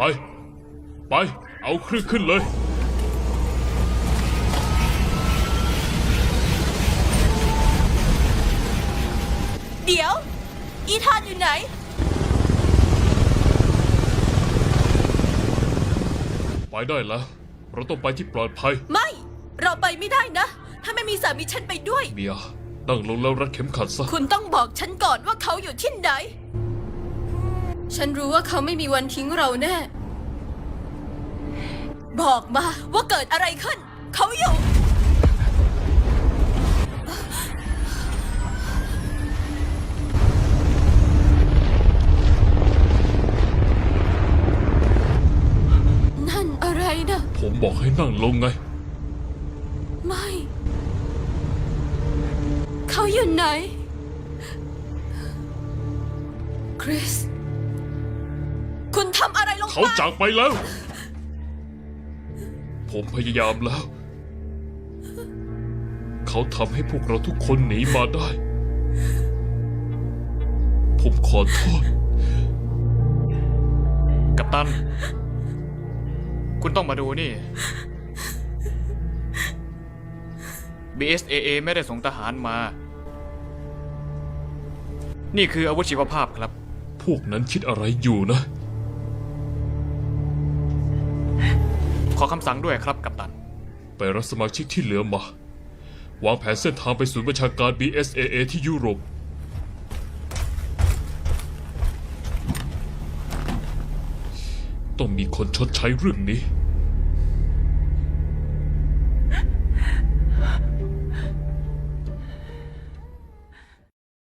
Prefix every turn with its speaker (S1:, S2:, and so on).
S1: ไปเอาเครื่องขึ้นเลย
S2: เดี๋ยวอีธานอยู่ไหน
S1: ไปได้แล้วเราต้องไปที่ปลอดภัย
S2: ไม่เราไปไม่ได้นะถ้าไม่มีสามีฉันไปด้วย
S1: เมียนั่งลงแล้วรัดเข็มขัดซะ
S2: คุณต้องบอกฉันก่อนว่าเขาอยู่ที่ไหนฉันรู้ว่าเขาไม่มีวันทิ้งเราแน่บอกมาว่าเกิดอะไรขึ้นเขาอยู่นั่นอะไรนะ
S1: ผมบอกให้นั่งลงไง
S2: ไม่เขาอยู่ไหนคริสคุณทำอะไรลงไป
S1: เขาจากไปแล้วผมพยายามแล้วเขาทำให้พวกเราทุกคนหนีมาได้ผมขอโทษ
S3: กัปตันคุณต้องมาดูนี่ BSAA ไม่ได้ส่งทหารมานี่คืออาวุธชีวภาพครับ
S1: พวกนั้นคิดอะไรอยู่นะ
S3: ขอคำสั่งด้วยครับกัปตัน
S1: ไปรับสมาชิกที่เหลือมาวางแผนเส้นทางไปศูนย์บัญชาการ BSAA ที่ยุโรปต้องมีคนชดใช้เรื่องนี้